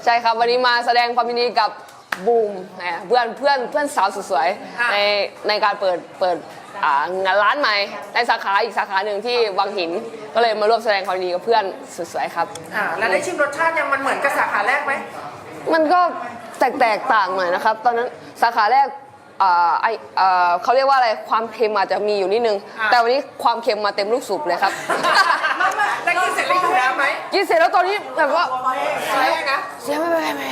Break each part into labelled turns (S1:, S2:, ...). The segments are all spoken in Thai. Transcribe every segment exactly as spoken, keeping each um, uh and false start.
S1: ช่ครับวันนี้มาแสดงความยินดีกับบูมเพื่อนเพื่อนเพื่อนสาวสุดสวยในในการเปิดเปิดงานร้านใหม่ในสาขาอีกสาขาหนึ่งที่วังหินก็เลยมาร่วมแสดงความยินดีกับเพื่อนสุดสวยครับ
S2: อ่าแล้วได้ชิมรสชาติยังมันเหมือนกับสาขาแรกไหม
S1: มันก็แตกแตกต่างหน่อยนะครับตอนนั้นสาขาแรกไอเขาเรียกว่าอะไรความเค็มอาจจะมีอยู่นิดนึงแต่วันนี้ความเค็มมาเต็มลูกสูบเลยครับ
S2: แล้วกินเสร็จแล้วอยู่แล้วไหม
S1: กินเสร็จแล้วตอนนี้แบบว่า
S2: เสียนะ
S1: เสียไม่ไม่ไม่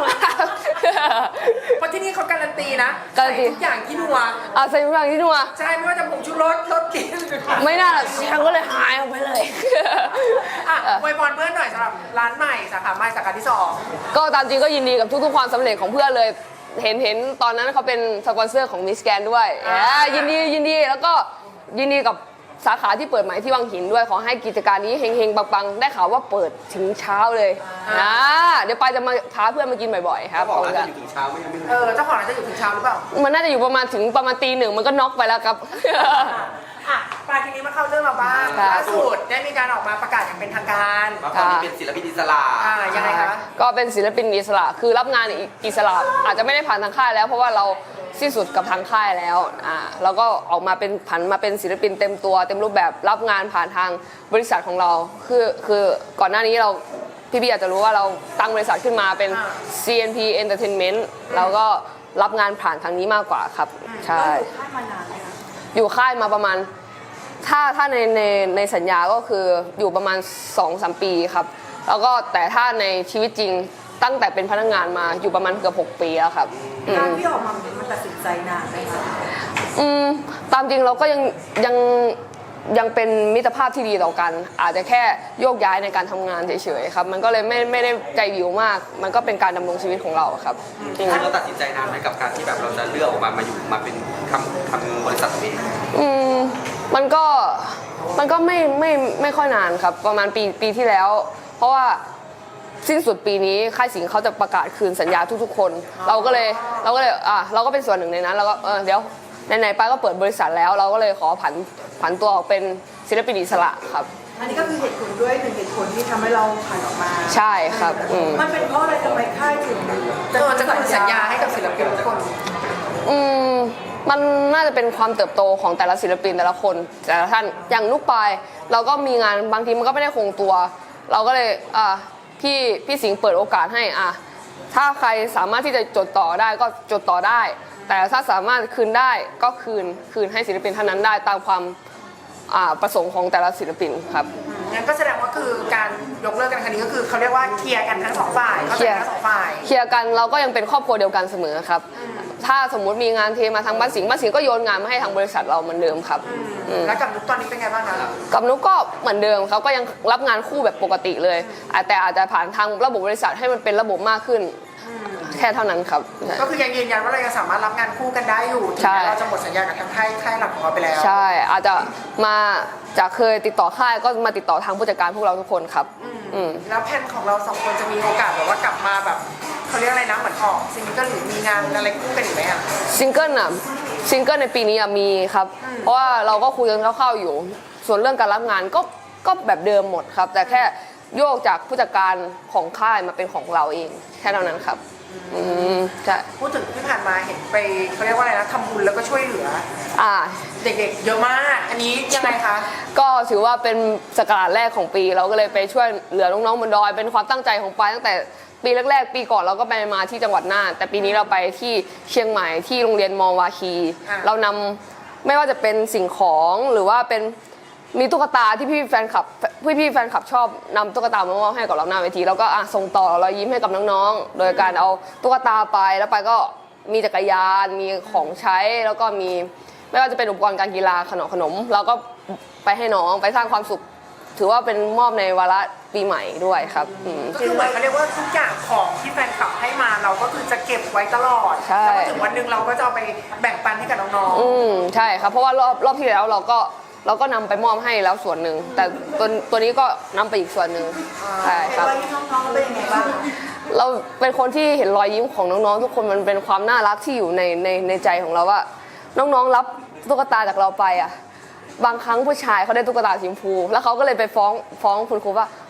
S2: เพราะที่นี่เขาการันตีนะ
S1: การันตี
S2: ทุกอย่างที่นัว
S1: อ่าใส่ทุกอย่างที่นัว
S2: ใช่ไม่ว่าจะผงชูรสรสกิน
S1: ไม่น่าหรอกเสียงก็เลยหายออกไปเลย
S2: อ่ะอวยพรเพื่อนหน่อยสำหรับร้านใหม่สาขาใหม่สาขาที่สอง
S1: ก็ตามจริงก็ยินดีกับทุกๆความสำเร็จของเพื่อนเลยเห็นเห็นตอนนั้นเขาเป็นสปอนเซอร์ของมิสแกนด้วยยินดียินดีแล้วก็ยินดีกับสาขาที่เปิดใหม่ที่วังหินด้วยขอให้กิจการนี้เฮงๆปังๆได้ข่าวว่าเปิดถึงเช้าเลยนะเดี๋ยวไปจะมาพาเพื่อนมากินบ่อยๆครับ
S3: เจ้าของร้านจะอยู่ถึงเช้าไหมยังไม่รู้
S2: เออเจ้าของร้านจะอยู่ถึงเช้าหรือเปล่า
S1: มันน่าจะอยู่ประมาณถึงประมาณตีหนึ่งมันก็น็อกไปแล้วครับ
S2: อ่ะปลายทีนี้มาเข้าเรื่องเราบ้างล่าสุดได้มีการออกมาประกาศอย่างเป็นทางการ
S3: ว่าตอนนี้เป็นศิลปินอิสระ
S2: อ่ายังไงคะ
S1: ก็เป็นศิลปินอิสระคือรับงานอิสระอาจจะไม่ได้ผ่านทางค่ายแล้วเพราะว่าเราสิ้นสุดกับทางค่ายแล้วอ่าเราก็ออกมาเป็นผันมาเป็นศิลปินเต็มตัวเต็มรูปแบบรับงานผ่านทางบริษัทของเราคือคือก่อนหน้านี้เราพี่ๆอาจจะรู้ว่าเราตั้งบริษัทขึ้นมาเป็น ซี เอ็น พี Entertainment เราก็รับงานผ่านทางนี้มากกว่าครับใช่อยู่ค่ายมาประมาณถ้าถ้าในในในสัญญาก็คืออยู่ประมาณ สองถึงสาม ปีครับแล้วก็แต่ถ้าในชีวิตจริงตั้งแต่เป็นพนักงานมาอยู่ประมาณเกือบหกปีแล้วครับ
S4: การที่ออกมามันตัดสินใจนานไหมคะ
S1: อืมตามจริงเราก็ยังยังยังเป็นมิตรภาพที่ดีต่อกันอาจจะแค่โยกย้ายในการทำงานเฉยๆครับมันก็เลยไม่ไม่ได้ใจวิวมากมันก็เป็นการดำรงชีวิตของเราครับ
S3: เราตัดสินใจนานไหมกับการที่แบบเราจะเลือกออกมามาอยู่มาเป็นทำทำบริษัทตัวเอง
S1: อืมมันก็มันก็ไม่ไม่ไม่ค่อยนานครับประมาณปีปีที่แล้วเพราะว่าสิ้นสุดปีนี้ค่ายสิงห์เขาจะประกาศคืนสัญญาทุกๆคนเราก็เลยเราก็เลยอ่ะเราก็เป็นส่วนหนึ่งในนั้นเราก็เออเดี๋ยวไหนๆไปก็เปิดบริษัทแล้วเราก็เลยขอผันผันตัวออกเป็นศิลปินอิสระครับ
S4: อันนี้ก็คือเหตุผลด้วยหนึ่งเหตุผลที่ทำให้เราผ่านออกมา
S1: ใช่ครับ
S4: มันเป็นเพราะอะไรทำไมค่ายถึง
S2: จะจะคืนสัญญาให้กับศิลปินทุกคน
S1: อืมมันน่าจะเป็นความเติบโตของแต่ละศิลปินแต่ละคนแต่ละท่านอย่างลูกปลายเราก็มีงานบางทีมันก็ไม่ได้คงตัวเราก็เลยอ่ะพี่พี่สิงห์เปิดโอกาสให้อ่ะถ้าใครสามารถที่จะจดต่อได้ก็จดต่อได้แต่ถ้าสามารถคืนได้ก็คืนคืนให้ศิลปินท่านนั้นได้ตามความประสงค์ของแต่ละศิลปินครับ
S2: งั้นก็แสดงว่าคือการยกเลิกกันครั้งนี้ก็คือเขาเรียกว่าเคลียร์กันทั้งสองฝ่าย
S1: เคลียร์ทั้งสองฝ่ายเคลียร์กันเราก็ยังเป็นครอบครัวเดียวกันเสมอครับถ้าสมมุติมีงานเทมาทางบ้านสิงห์บ้านสิงห์ก็โยนงานมาให้ทางบริษัทเราเหมือนเดิมครับ
S2: แล้วกับนุ๊กตอนนี้เป็นไงบ้างคะ
S1: กับนุ๊กก็เหมือนเดิมเขาก็ยังรับงานคู่แบบปกติเลยแต่อาจจะผ่านทางระบบบริษัทให้มันเป็นระบบมากขึ้นแค่เท่านั้นครับ
S2: ก็คือยังยืนยันว่าเรายังสามารถรับงานคู่กันได้อยู่ถึงแม้เราจะหมดสัญญากับทางค่ายค่ายหลักของเราไปแล้ว
S1: ใช่อาจจะมาจากเคยติดต่อค่ายก็มาติดต่อทางผู้จัดการพวกเราทุกคนครับ
S2: แล้วแผนของเราสองคนจะมีโอกาสแบบว่ากลับมาแบบเขาเรียกอะไรนะเหมือนออกซิงเกิลหรือมีงานอะไรคู่กันอีกไหมอ่ะ
S1: ซิงเกิลอ่ะซิงเกิลในปีนี้มีครับเพราะว่าเราก็คุยกันคร่าวๆอยู่ส่วนเรื่องการรับงานก็ก็แบบเดิมหมดครับแต่แค่โยกจากผู้จัดการของค่ายมาเป็นของเราเองแค่เท่านั้นครับอืมใช่
S2: พูดถึงที่ผ่านมาเห็นไปเขาเรียกว่าอะไรนะทำบุญแล้วก็ช่วยเหลือ
S1: อ่า
S2: เด็กๆเยอะมากอันนี้ยังไงคะ
S1: ก็ถือว่าเป็นสักราชแรกของปีเราก็เลยไปช่วยเหลือน้องๆบนดอยเป็นความตั้งใจของปายตั้งแต่ปีแรกๆปีก่อนเราก็ไปมาที่จังหวัดน่านแต่ปีนี้เราไปที่เชียงใหม่ที่โรงเรียนมอวาคีเรานำไม่ว่าจะเป็นสิ่งของหรือว่าเป็นมีตุ๊กตาที่พี่แฟนคลับพี่พี่แฟนคลับชอบนำตุ๊กตามามอบให้กับเราหน้าเวทีแล้วก็ส่งต่อรอยยิ้มให้กับน้องๆโดยการเอาตุ๊กตาไปแล้วไปก็มีจักรยานมีของใช้แล้วก็มีไม่ว่าจะเป็นอุปกรณ์การกีฬาขนมขนมเราก็ไปให้น้องไปสร้างความสุขถือว่าเป็นมอบในวาระปีใหม่ด้วยครับ
S2: ก็คือเหมือนเขาเรียกว่าทุกอย่างของที่แฟนคลับให้มาเราก็คือจะเก็บไว้ตลอดแล้วถึงวันหนึ่งเราก็จะเอาไปแบ่งปันให้กับน้อง
S1: ๆอืมใช่ครับเพราะว่ารอบรอบที่แล้วเราก็เราก็นำไปมอบให้แล้วส่วนหนึ่งแต่ตัวตัวนี้ก็นำไปอีกส่วนหนึ่งใช่ครับ
S4: รอยยิ้มน้องๆเป็นยังไงบ้าง
S1: เราเป็นคนที่เห็นรอยยิ้มของน้องๆทุกคนมันเป็นความน่ารักที่อยู่ในในในใจของเราว่าน้องๆรับตุ๊กตาจากเราไปอ่ะบางครั้งผู้ชายเขาได้ตุ๊กตาสีชมพูแล้วเขาก็เลยไปฟ้องฟ้องคุณครูว่า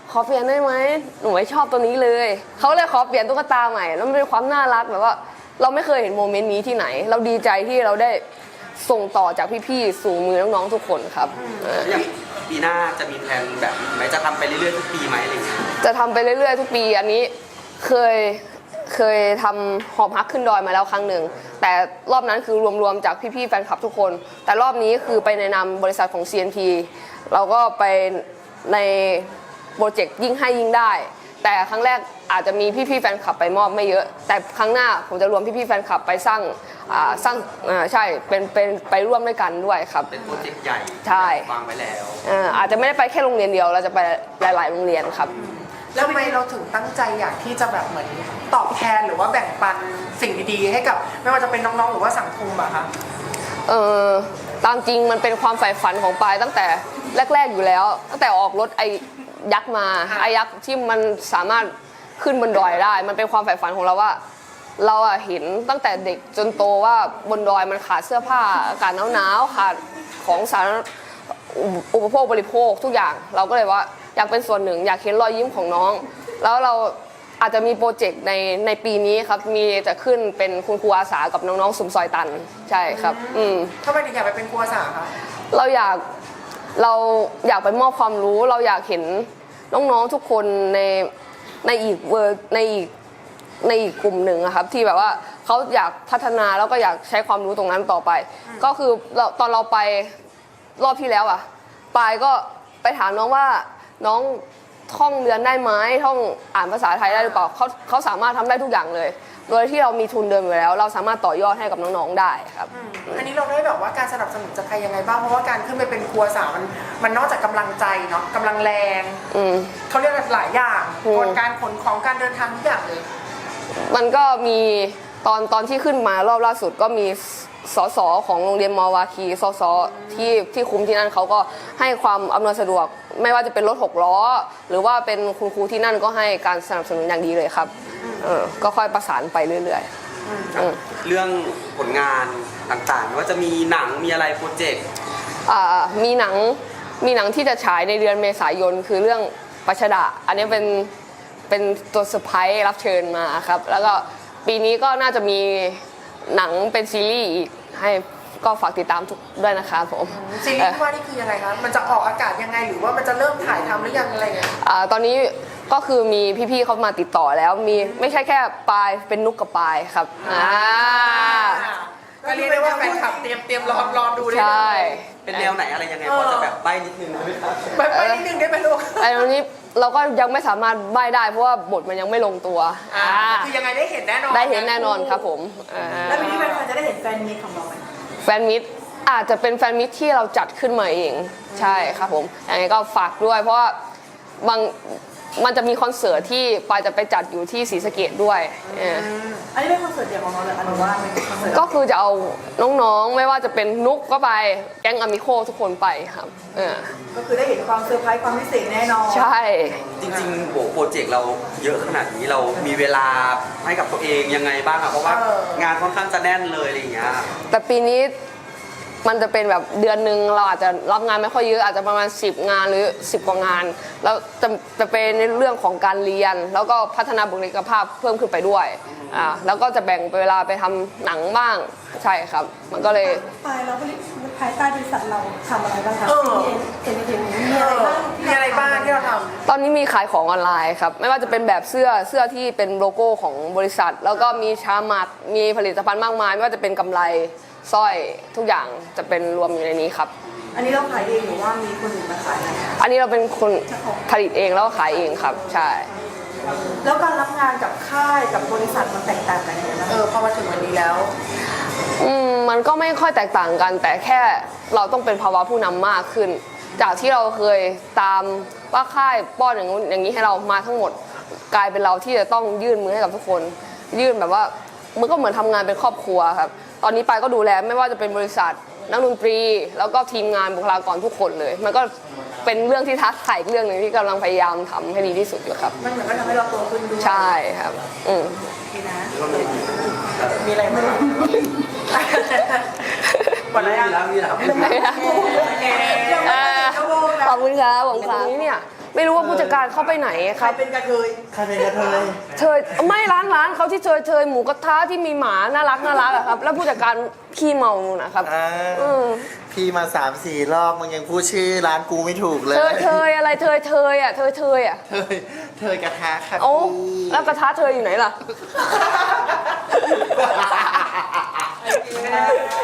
S1: ขอเปลี่ยนได้ไหมหนูไม่ชอบตัวนี้เลยเขาเลยขอเปลี่ยนตุ๊กตาใหม่แล้วมันเป็นความน่ารักแบบว่าเราไม่เคยเห็นโมเมนต์นี้ที่ไหน เราดีใจที่เราได้ส่งต่อจากพี่ๆสู่มือน้องๆทุกคนครับเออ
S3: อย่างปีหน้าจะมีแผนแบบนี้ไหมจะทำไปเรื่อยๆทุกปีไหมอะไรอย่างเงี้ย
S1: จะทำไปเรื่อยๆทุกปีอันนี้เคยเคยทำหอบฮักขึ้นดอยมาแล้วครั้งหนึ่งแต่รอบนั้นคือรวมๆจากพี่ๆแฟนคลับทุกคน แต่รอบนี้คือไปในนามบริษัทของ ซี เอ็น ที เราก็ไปในโปรเจกต์ยิ่งให้ยิ่งได้ แต่ครั้งแรกอาจจะมีพี่ๆแฟนคลับไปมอบไม่เยอะ แต่ครั้งหน้าผมจะรวมพี่ๆแฟนคลับไปสร้างอ่าสร้างอ่าใช่เป็นเป็นไปร่วมด้วยกันด้วยครับ
S3: เป็นโปรเจกต์ใหญ่
S1: ใช่
S3: วางไว้แล้ว
S1: อ่าอาจจะไม่ได้ไปแค่โรงเรียนเดียวเราจะไปหลายๆโรงเรียนครับ
S2: แล้วทำไมเราถึงตั้งใจอยากที่จะแบบเหมือนตอบแทนหรือว่าแบ่งปันสิ่งดีๆ ให้กับไม่ว่าจะเป็นน้องๆหรือว่าสังคมอะคะ
S1: เออตามจริงมันเป็นความใฝ่ฝันของปายตั้งแต่แรกๆอยู่แล้ว ตั้งแต่ออกรถไอ้ยักษ์มาไอ้ยักษ์ที่มันสามารถขึ้นบนดอยได้ มันเป็นความใฝ่ฝันของเราว่า เราอะเห็นตั้งแต่เด็กจนโตว่าบนดอยมันขาดเสื้อผ้าอากาศหนาวๆขาดของสารอุปโภคบริโภคทุกอย่าง เราก็เลยว่าอยากเป็นส่วนหนึ่งอยากเห็นรอยยิ้มของน้อง แล้วเราอาจจะมีโปรเจกต์ในในปีนี้ครับมีจะขึ้นเป็นคุณครูอาสากับน้องๆสุมซอยตันใช่ครับอืม
S2: ทำไมถึงอยากไปเป็นครูอาสาคะ
S1: เราอยากเราอยากไปมอบความรู้ เราอยากเห็นน้องๆทุกคนในในอีกเวอร์ในอีกในอีกกลุ่มหนึ่งอะครับที่แบบว่าเขาอยากพัฒนาแล้วก็อยากใช้ความรู้ตรงนั้นต่อไป ก็คือเราตอนเราไปรอบที่แล้วอะปายก็ไปถามน้องว่าน้องท่องเรียนได้ไหมท่องอ่านภาษาไทยได้หรือเปล่าเขาเขาสามารถทำได้ทุกอย่างเลย โดยที่เรามีทุนเดิมอยู่แล้ว เราสามารถต่อยอดให้กับน้องๆได้ครับ
S2: อืมอันนี้เราได้แบบว่าการสนับสนุนจากใครยังไงบ้างเพราะว่าการขึ้นไปเป็นครูอาสามันมันนอกจากกำลังใจเนาะกำลังแรง
S1: อืม
S2: เขาเรียกหลายอย่าง
S1: อืม
S2: กลการขนของการเดินทางทุกอย่างเลย
S1: มันก็มีตอนตอนที่ขึ้นมารอบล่าสุดก็มีสสของโรงเรียนมอวาคีสสที่ที่คุมที่นั่นเขาก็ให้ความอำนวยสะดวก ไม่ว่าจะเป็นรถหกล้อ หรือว่าเป็นคุณครูที่นั่นก็ให้การสนับสนุนอย่างดีเลยครับเออก็ค่อยประสานไปเรื่อยๆอืม
S3: เรื่องผลงานต่างๆว่าจะมีหนังมีอะไรโปรเจกต์
S1: อ่ามีหนังมีหนังที่จะฉายในเดือนเมษายนคือเรื่องปัชดาอันนี้เป็นเป็นตัวเซอร์ไพรส์รับเชิญมาครับแล้วก็ปีนี้ก็น่าจะมีหนังเป็นซีรีส์อีกให้ก็ฝากติดตามทุกด้วยนะครับผม
S2: ซีรีส์ที่ว่านี่คือยังไงคะมันจะออกอากาศยังไงหรือว่ามันจะเริ่มถ่ายทำหรือยังอะไรเงี้ย
S1: อ่าตอนนี้ก็คือมีพี่ๆเขามาติดต่อแล้วมีไม่ใช่แค่ปายเป็นนุกกับปายครับอ่า
S2: ก็เรียกได้ว่าแฟนคลับเตรียมเตรียมรอรอดูได้
S1: ใช่
S3: เป็นแนวไหนอะไรยังไงพอจะแบบใบ้นิดนึงได้ไหมครับ
S2: ไปไปนิดนึงได้ไหมลูก
S1: ไอ้ตรงนี้เราก็ยังไม่สามารถใบ้ได้เพราะว่าบทมันยังไม่ลงตัว
S2: อ่า
S1: อ่า
S2: คือยังไงได้เห็นแน่นอน
S1: ได้เห็นแน่นอนครับผมอ่า
S4: แล้วปีนี้แฟนๆจะได้เห็นแฟนมีตของเราไหม
S1: แฟนมิตรอาจจะเป็นแฟนมิตรที่เราจัดขึ้นมาเองใช่ครับผมยังไงก็ฝากด้วย เพราะว่าบางมันจะมีคอนเสิร์ตที่ปายจะไปจัดอยู่ที่ศรีสะเกษด้วยเออ
S4: อันนี้เป็นคอนเสิร์ตเดี่ยวของเราเลยอันนี้ว่าเป็นคอนเสิร์ต
S1: ก็คือจะเอาน้องๆไม่ว่าจะเป็นนุกก็ไปแก๊งอามิโคทุกคนไปครับเออ
S4: ก็คือได้เห็นความเซอร์ไพรส์ความพิเศษแน่นอน
S1: ใช่
S3: จริงๆโหโปรเจกต์เราเยอะขนาดนี้เรามีเวลาให้กับตัวเองยังไงบ้างอะเพราะว่างานค่อนข้างจะแน่นเลยอะไรอย่างเงี้ย
S1: แต่ปีนี้มันจะเป็นแบบเดือนหนึ่งเราอาจจะรับงานไม่ค่อยเยอะอาจจะประมาณสิบงานหรือสิบกว่างานแล้วจะจะเป็นในเรื่องของการเรียน แล้วก็พัฒนาบุคลิกภาพเพิ่มขึ้นไปด้วยอ่าแล้วก็จะแบ่งเวลาไปทำหนังบ้างใช่ครับ มันก็เลย
S5: ภายเราภายใต้บริษัทเราทำอะไรบ้างคะ
S2: เออ
S5: เอ็นเอ็นมี
S2: เอ
S5: อะไร
S2: อ
S5: บ้าง
S2: มีอะไรบ้างที่เราท
S1: ตอนนี้มีขายของออนไลน์ครับไม่ว่าจะเป็นแบบเสื้อเสื้อที่เป็นโลโก้ของบริษัท แล้วก็มีชามัดมีผลิตภัณฑ์มากมายไม่ว่าจะเป็นกำไรสร้อยทุกอย่างจะเป็นรวมอยู่ในนี้ครับ
S4: อันนี้เราขายเองหรือว่ามีคนอื่นมาขายให้
S1: อันนี้เราเป็นคนผลิตเองแล้วก็ขายเองครับใช่
S4: แล้วการรับงานกับค่ายกับบริษัทมันแตกต่างกันยังไงบ้าง
S2: ำเออพอมาถึงวันนี้แล้ว
S1: อืมมันก็ไม่ค่อยแตกต่างกัน แต่แค่เราต้องเป็นภาวะผู้นำมากขึ้น จากที่เราเคยตามว่าค่ายป้อนอย่างนู้นอย่างนี้ให้เรามาทั้งหมด กลายเป็นเราที่จะต้องยื่นมือให้กับทุกคน ยื่นแบบว่ามันก็เหมือนทำงานเป็นครอบครัวครับตอนนี้ปายก็ดูแลไม่ว่าจะเป็นบริษัทนักดนตรี แล้วก็ทีมงานบุคลากรทุกคนเลย มันก็เป็นเรื่องที่ท้าทายอีกเรื่องหนึ่งที่กำลังพยายามทำให้ดีที่สุดอยู่ครับ
S4: มันเหมือนก็ทำให้เราโตขึ้นด้วย
S1: ใช่ครับอืม
S4: ดีนะ
S2: มีอะไรไหมหมดแล้วยัง
S3: มีแล้วมีแล้ว
S1: อ่าขอบคุณครับขอบคุณครับตรงนี้เนี่ยไม่รู้ว่าผู้จัดการเข้าไปไหน
S4: ใค
S1: ค
S4: ร
S1: รับ
S4: เป็นกระเทย
S6: ใครเป็นกระเทย
S1: เชยไม่ร้านร้านเขาที่เชยเชยหมูกระทะที่มีหมาน่ารักน่ารักอะครับ แล้วผู้จัดการขี้เมานู่นนะครับ
S6: อ่า
S1: อืม
S6: พี่มาสามสี่รอบมึงยังพูดชื่อร้านกูไม่ถูกเลย
S1: เชยเชยอะไรเชยเชยอะเชยเชยอะ
S6: เทยเทยกระทะค่ะ
S1: โอ้
S6: พี่
S1: แล้วกระทะเชยอยู่ไหนล่ะ